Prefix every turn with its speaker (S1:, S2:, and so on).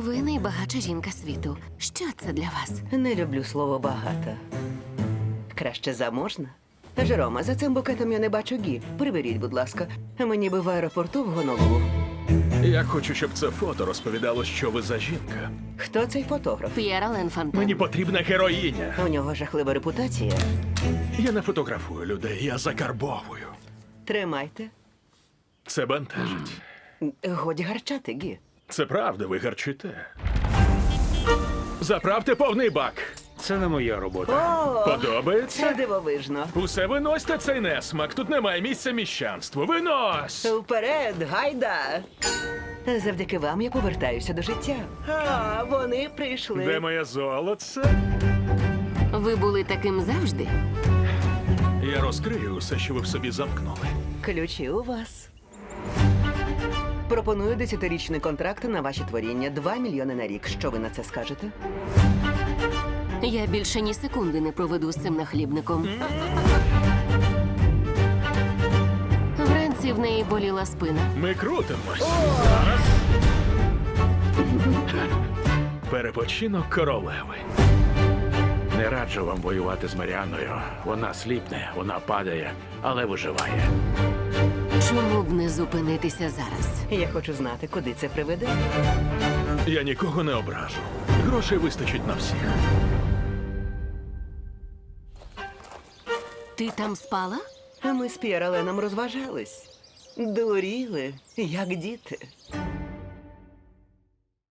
S1: Ви найбагатша жінка світу. Що це для вас?
S2: Не люблю слово багата. Краще заможна. Жерома, за цим букетом я не бачу Гі. Приберіть, будь ласка. Мені би в аеропорту в Гонолулу.
S3: Я хочу, щоб це фото розповідало, що ви за жінка.
S2: Хто цей фотограф?
S1: П'єр Ален Фонтен.
S3: Мені потрібна героїня.
S2: У нього жахлива репутація.
S3: Я не фотографую людей, я закарбовую.
S2: Тримайте.
S3: Це бентежить.
S2: Годі гарчати, Гі.
S3: Це правда, ви гарчите. Заправте повний бак.
S4: Це не моя робота.
S2: О, це
S3: Подобається?
S2: дивовижно.
S3: Усе виносьте цей несмак. Тут немає місця міщанству. Винось!
S2: Вперед, гайда! Завдяки вам я повертаюся до життя. А, вони прийшли.
S3: Де моє золоце?
S1: Ви були таким завжди?
S3: Я розкрию усе, що ви в собі замкнули.
S2: Ключі у вас. Пропоную 10-річний контракт на ваші творіння. 2 мільйони на рік. Що ви на це скажете?
S1: Я більше ні секунди не проведу з цим нахлібником. Вранці в неї боліла спина.
S3: Ми крутимось. Зараз. Перепочинок королеви.
S4: Не раджу вам воювати з Маріаною. Вона сліпне, вона падає, але виживає.
S1: Чому б не зупинитися зараз?
S2: Я хочу знати, куди це приведе.
S3: Я нікого не ображу. Грошей вистачить на всіх.
S1: Ти там спала?
S2: А ми з П'єр Аленом розважались. Дуріли, як діти.